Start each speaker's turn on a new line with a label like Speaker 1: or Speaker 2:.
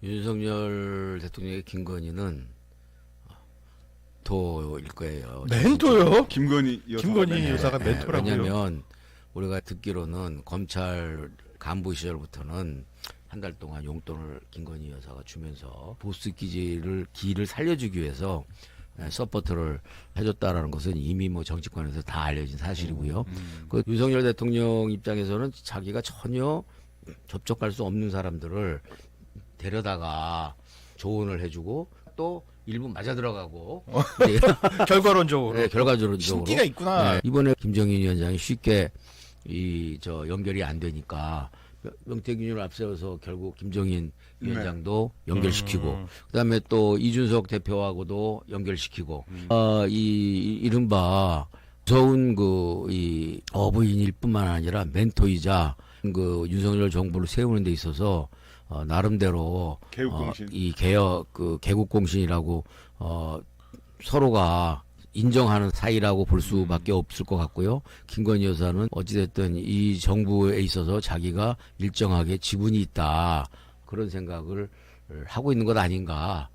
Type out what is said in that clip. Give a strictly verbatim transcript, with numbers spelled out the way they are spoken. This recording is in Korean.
Speaker 1: 윤석열 대통령의 김건희는 멘토일 거예요.
Speaker 2: 멘토요?
Speaker 3: 김건희 여사.
Speaker 2: 김건희
Speaker 3: 멘토.
Speaker 2: 여사가
Speaker 1: 네,
Speaker 2: 멘토라고요?
Speaker 1: 왜냐하면 우리가 듣기로는 검찰 간부 시절부터는 한 달 동안 용돈을 김건희 여사가 주면서 보스 기지를 기를 살려주기 위해서 서포트를 해줬다라는 것은 이미 뭐 정치권에서 다 알려진 사실이고요.
Speaker 3: 음.
Speaker 1: 그 윤석열 대통령 입장에서는 자기가 전혀 접촉할 수 없는 사람들을 데려다가 조언을 해주고 또 일부 맞아 들어가고 네,
Speaker 2: 결과론적으로
Speaker 1: 네, 결과적으로
Speaker 2: 신기가 있구나.
Speaker 1: 네, 이번에 김정인 위원장이 쉽게 이 저 연결이 안 되니까 명태균을 앞세워서 결국 김정인
Speaker 3: 네.
Speaker 1: 위원장도 연결시키고
Speaker 2: 음.
Speaker 1: 그다음에 또 이준석 대표하고도 연결시키고
Speaker 3: 음.
Speaker 1: 어, 이 이른바 무서운 그 이 어부인일 뿐만 아니라 멘토이자 그 윤석열 정부를 세우는 데 있어서 어, 나름대로
Speaker 3: 개국공신.
Speaker 1: 어, 이 개혁 그 개국공신이라고 어, 서로가 인정하는 사이라고 볼 수밖에 없을 것 같고요. 김건희 여사는 어찌됐든 이 정부에 있어서 자기가 일정하게 지분이 있다 그런 생각을 하고 있는 것 아닌가